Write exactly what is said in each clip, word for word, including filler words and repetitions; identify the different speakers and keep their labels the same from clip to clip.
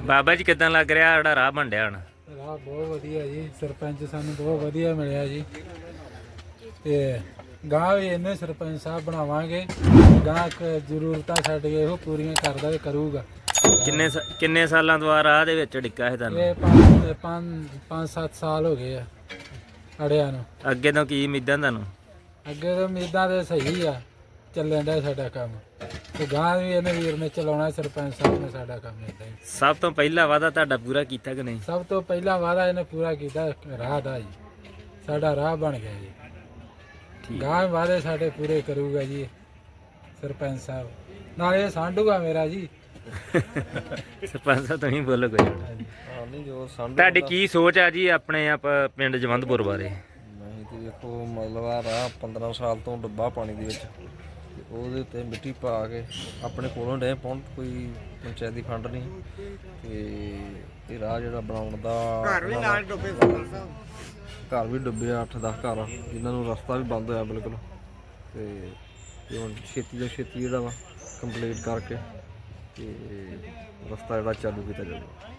Speaker 1: ਬਾਬਾ ਜੀ ਕਿੱਦਾਂ ਲੱਗ ਰਿਹਾ ਜਿਹੜਾ ਰਾਹ ਬਣ ਡਿਆ ਹੁਣ?
Speaker 2: ਰਾਹ ਬਹੁਤ ਵਧੀਆ ਜੀ, ਸਰਪੰਚ ਸਾਨੂੰ ਬਹੁਤ ਵਧੀਆ ਮਿਲਿਆ ਜੀ। ਤੇ ਗਾਂ ਵੀ ਇਹਨੇ ਸਰਪੰਚ ਸਾਹਿਬ ਬਣਾਵਾਂਗੇ, ਗਾਂ ਜ਼ਰੂਰਤਾਂ ਸਾਡੀਆਂ ਇਹੋ ਪੂਰੀਆਂ ਕਰਦਾ ਤੇ ਕਰੂਗਾ।
Speaker 1: ਕਿੰਨੇ ਕਿੰਨੇ ਸਾਲਾਂ ਤੋਂ ਆ ਰਾਹ ਦੇ ਵਿੱਚ ਡਿੱਕਾ ਹੈ ਤੁਹਾਨੂੰ?
Speaker 2: ਇਹ ਪੰਜ ਪੰਜ ਪੰਜ ਸੱਤ ਸਾਲ ਹੋ ਗਏ ਆ ਅੜਿਆਂ ਨੂੰ।
Speaker 1: ਅੱਗੇ ਤੋਂ ਕੀ ਉਮੀਦਾਂ ਤੁਹਾਨੂੰ?
Speaker 2: ਅੱਗੇ ਤਾਂ ਉਮੀਦਾਂ ਤੇ ਸਹੀ ਆ, ਚੱਲਣ ਦਾ ਸਾਡਾ ਕੰਮ ਤੇ ਗਾਂ ਵੀ ਇਹਨੇ ਵੀਰ ਨੇ ਚਲਾਉਣਾ, ਸਰਪੰਚ ਸਾਹਿਬ ਨੇ ਸਾਡਾ ਕੰਮ ਏਦਾਂ ਹੀ।
Speaker 1: ਸਭ ਤੋਂ ਪਹਿਲਾ ਵਾਅਦਾ ਤੁਹਾਡਾ ਪੂਰਾ ਕੀਤਾ ਕਿ ਨਹੀਂ?
Speaker 2: ਸਭ ਤੋਂ ਪਹਿਲਾ ਵਾਅਦਾ ਇਹਨੇ ਪੂਰਾ ਕੀਤਾ ਰਾਹ ਦਾ ਜੀ, ਸਾਡਾ ਰਾਹ ਬਣ ਗਿਆ ਜੀ। ਗਾਂ ਵਾਅਦੇ ਸਾਡੇ ਪੂਰੇ ਕਰੂਗਾ ਜੀ ਸਰਪੰਚ ਸਾਹਿਬ, ਨਾਲੇ ਇਹ ਸਾਂਢੂਗਾ ਮੇਰਾ ਜੀ।
Speaker 1: ਸਰਪੰਚ ਸਾਹਿਬ ਤੁਸੀਂ ਬੋਲੋ ਕੋਈ। ਤੁਹਾਡੀ ਕੀ ਸੋਚ ਆ ਜੀ ਆਪਣੇ ਆਪ ਪਿੰਡ ਜਵੰਦਪੁਰ ਬਾਰੇ?
Speaker 3: ਨਹੀਂ ਤੇ ਦੇਖੋ ਮਤਲਬ ਆ ਰਾਹ ਪੰਦਰਾਂ ਸਾਲ ਤੋਂ ਡੁੱਬਾ ਪਾਣੀ ਦੇ ਵਿੱਚ, ਤੇ ਉਹਦੇ ਉੱਤੇ ਮਿੱਟੀ ਪਾ ਕੇ ਆਪਣੇ ਕੋਲੋਂ ਡੇ ਪਹੁੰਚ, ਕੋਈ ਪੰਚਾਇਤੀ ਫੰਡ ਨਹੀਂ। ਤੇ ਇਹ ਰਾਹ ਜਿਹੜਾ ਬਣਾਉਣ ਦਾ ਘਰ ਵੀ ਨਾਲ ਡੁੱਬੇ, ਘਰ ਵੀ ਡੁੱਬੇ ਅੱਠ ਦਸ ਘਰ, ਜਿਨ੍ਹਾਂ ਨੂੰ ਰਸਤਾ ਵੀ ਬੰਦ ਹੋਇਆ ਬਿਲਕੁਲ। ਤੇ ਹੁਣ ਛੇਤੀ ਤੋਂ ਛੇਤੀ ਜਿਹੜਾ ਵਾ ਕੰਪਲੀਟ ਕਰਕੇ ਤੇ ਰਸਤਾ ਜਿਹੜਾ ਚਾਲੂ ਕੀਤਾ ਜਾਊਗਾ।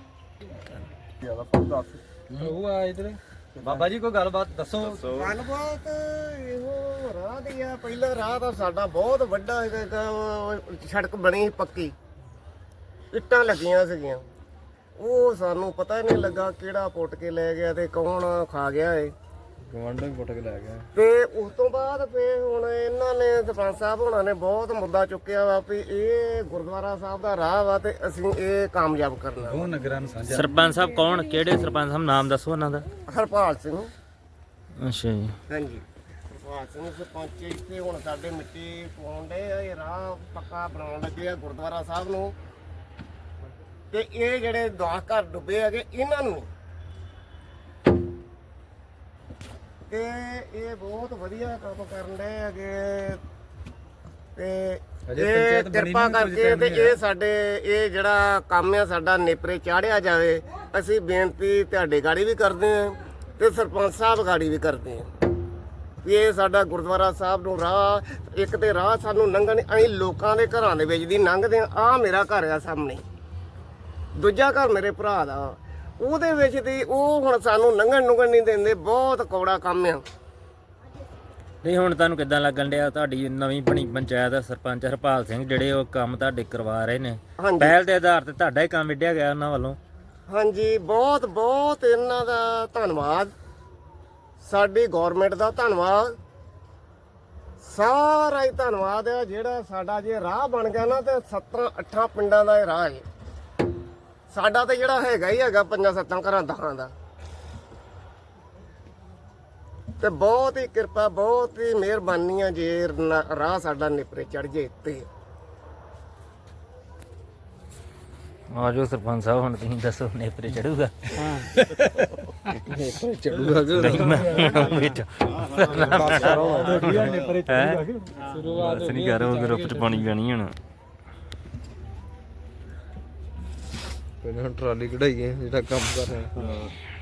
Speaker 2: ਉਹ ਆ ਇਧਰ
Speaker 4: ਬਾਬਾ ਜੀ ਕੋਈ ਗੱਲਬਾਤ ਦੱਸੋ।
Speaker 5: ਗੱਲਬਾਤ ਇਹੋ ਰਾਹ ਦੀ ਆ। ਪਹਿਲਾ ਰਾਹ ਤਾਂ ਸਾਡਾ ਬਹੁਤ ਵੱਡਾ ਹੈਗਾ, ਸੜਕ ਬਣੀ ਸੀ ਪੱਕੀ, ਇੱਟਾਂ ਲੱਗੀਆਂ ਸੀਗੀਆਂ। ਉਹ ਸਾਨੂੰ ਪਤਾ ਨਹੀਂ ਲੱਗਾ ਕਿਹੜਾ ਪੁੱਟ ਕੇ ਲੈ ਗਿਆ ਤੇ ਕੌਣ ਖਾ ਗਿਆ ਏ।
Speaker 3: ਗਵਾਂਢੋਂ ਹੀ ਪੁੱਟ ਕੇ ਲੈ ਗਿਆ।
Speaker 5: ਤੇ ਉਸ ਤੋਂ ਬਾਅਦ ਫਿਰ ਹੁਣ ਇਹਨਾਂ ਨੇ ਸਰਪੰਚ ਸਾਹਿਬ ਹੋਣਾ ਨੇ ਬਹੁਤ ਮੁੱਦਾ ਚੁੱਕਿਆ ਵਾ ਵੀ ਇਹ ਗੁਰਦੁਆਰਾ ਸਾਹਿਬ ਦਾ ਰਾਹ ਵਾ ਤੇ ਅਸੀਂ ਇਹ ਕਾਮਯਾਬ ਕਰਨਾ।
Speaker 2: ਉਹ ਨਗਰਾਂ ਨੂੰ ਸਾਂਝਾ।
Speaker 1: ਸਰਪੰਚ ਸਾਹਿਬ ਕੌਣ, ਕਿਹੜੇ ਸਰਪੰਚ ਸਾਹਿਬ, ਨਾਮ ਦੱਸੋ ਉਹਨਾਂ ਦਾ।
Speaker 5: ਹਰਪਾਲ ਸਿੰਘ।
Speaker 1: ਅੱਛਾ ਜੀ।
Speaker 5: ਹਾਂਜੀ, ਹਰਪਾਲ ਸਿੰਘ ਸਰਪੰਚ ਇੱਥੇ ਹੁਣ ਸਾਡੇ ਮਿੱਟੀ ਪਾਉਣ ਦੇ ਆ, ਇਹ ਰਾਹ ਪੱਕਾ ਬਣਾਉਣ ਲੱਗੇ ਆ ਗੁਰਦੁਆਰਾ ਸਾਹਿਬ ਨੂੰ। ਤੇ ਇਹ ਜਿਹੜੇ ਦਸ ਘਰ ਡੁੱਬੇ ਹੈਗੇ ਇਹਨਾਂ ਨੂੰ, ਤੇ ਇਹ ਬਹੁਤ ਵਧੀਆ ਕੰਮ ਕਰਨ ਦੇ ਹੈਗੇ। ਤੇ ਇਹ ਕਿਰਪਾ ਕਰਕੇ ਤੇ ਇਹ ਸਾਡੇ ਇਹ ਜਿਹੜਾ ਕੰਮ ਆ ਸਾਡਾ ਨੇਪਰੇ ਚਾੜਿਆ ਜਾਵੇ। ਅਸੀਂ ਬੇਨਤੀ ਤੁਹਾਡੇ ਗਾੜੀ ਵੀ ਕਰਦੇ ਹਾਂ ਤੇ ਸਰਪੰਚ ਸਾਹਿਬ ਗਾੜੀ ਵੀ ਕਰਦੇ ਹਾਂ ਵੀ ਇਹ ਸਾਡਾ ਗੁਰਦੁਆਰਾ ਸਾਹਿਬ ਨੂੰ ਰਾਹ, ਇੱਕ ਤੇ ਰਾਹ ਸਾਨੂੰ ਲੰਘਣ, ਅਸੀਂ ਲੋਕਾਂ ਦੇ ਘਰਾਂ ਦੇ ਵਿੱਚ ਦੀ ਲੰਘਦੇ ਹਾਂ। ਆਹ ਮੇਰਾ ਘਰ ਆ ਸਾਹਮਣੇ, ਦੂਜਾ ਘਰ ਮੇਰੇ ਭਰਾ ਦਾ, ਉਹਦੇ ਵਿੱਚ ਦੀ ਉਹ ਹੁਣ ਸਾਨੂੰ ਲੰਘਣ ਲੁੰਘਣ ਨਹੀਂ ਦਿੰਦੇ। ਬਹੁਤ ਕੌੜਾ ਕੰਮ ਆ।
Speaker 1: ਨਹੀਂ ਹੁਣ ਤੁਹਾਨੂੰ ਕਿੱਦਾਂ ਲੱਗਣ ਡਿਆ ਤੁਹਾਡੀ ਨਵੀਂ ਬਣੀ ਪੰਚਾਇਤ ਦਾ ਸਰਪੰਚ ਹਰਪਾਲ ਸਿੰਘ ਜਿਹੜੇ ਉਹ ਕੰਮ ਤੁਹਾਡੇ ਕਰਵਾ ਰਹੇ ਨੇ?
Speaker 5: ਹਾਂਜੀ,
Speaker 1: ਪਹਿਲ ਦੇ ਆਧਾਰ ਤੇ ਤੁਹਾਡਾ ਹੀ ਕੰਮ ਵਿੱਢਿਆ ਗਿਆ ਉਹਨਾਂ ਵੱਲੋਂ।
Speaker 5: ਹਾਂਜੀ, ਬਹੁਤ ਬਹੁਤ ਇਹਨਾਂ ਦਾ ਧੰਨਵਾਦ, ਸਾਡੀ ਗੌਰਮੈਂਟ ਦਾ ਧੰਨਵਾਦ, ਸਾਰਾ ਹੀ ਧੰਨਵਾਦ ਹੈ। ਜਿਹੜਾ ਸਾਡਾ ਜੇ ਰਾਹ ਬਣ ਗਿਆ ਨਾ ਤੇ ਸੱਤਾਂ ਅੱਠਾਂ ਪਿੰਡਾਂ ਦਾ ਇਹ ਰਾਹ ਹੈ। ਸਾਡਾ ਤਾਂ ਜਿਹੜਾ ਹੈਗਾ ਹੀ ਹੈਗਾ ਪੰਜਾਂ ਸੱਤਾਂ ਘਰਾਂ ਦਹਾਂ ਦਾ। ਤੇ ਬਹੁਤ ਹੀ ਕਿਰਪਾ, ਬਹੁਤ ਹੀ ਮਿਹਰਬਾਨੀ ਆ ਜੇ ਰਾਹ ਸਾਡਾ ਨੇਪਰੇ ਚੜ ਜੇ। ਤੇ
Speaker 1: ਆ ਜੋ ਸਰਪੰਚ ਸਾਹਿਬ ਹੁਣ ਤੁਸੀਂ ਦੱਸੋ ਨੇਪਰੇ ਚੜੂਗਾ?
Speaker 2: ਹਾਂ
Speaker 3: ਨੇਪਰੇ ਚੜੂਗਾ ਕਿ
Speaker 1: ਵਿੱਚ
Speaker 2: ਸ਼ੁਰੂਆਤ
Speaker 1: ਨਹੀਂ ਕਰੋ, ਗਰੁੱਪ ਚ ਪਾਣੀ ਪੈਣੀ ਹੁਣ।
Speaker 3: ਪਹਿਲਾਂ ਟਰਾਲੀ ਕਢਾਈਏ ਜਿਹੜਾ ਕੰਮ ਕਰ ਰਿਹਾ।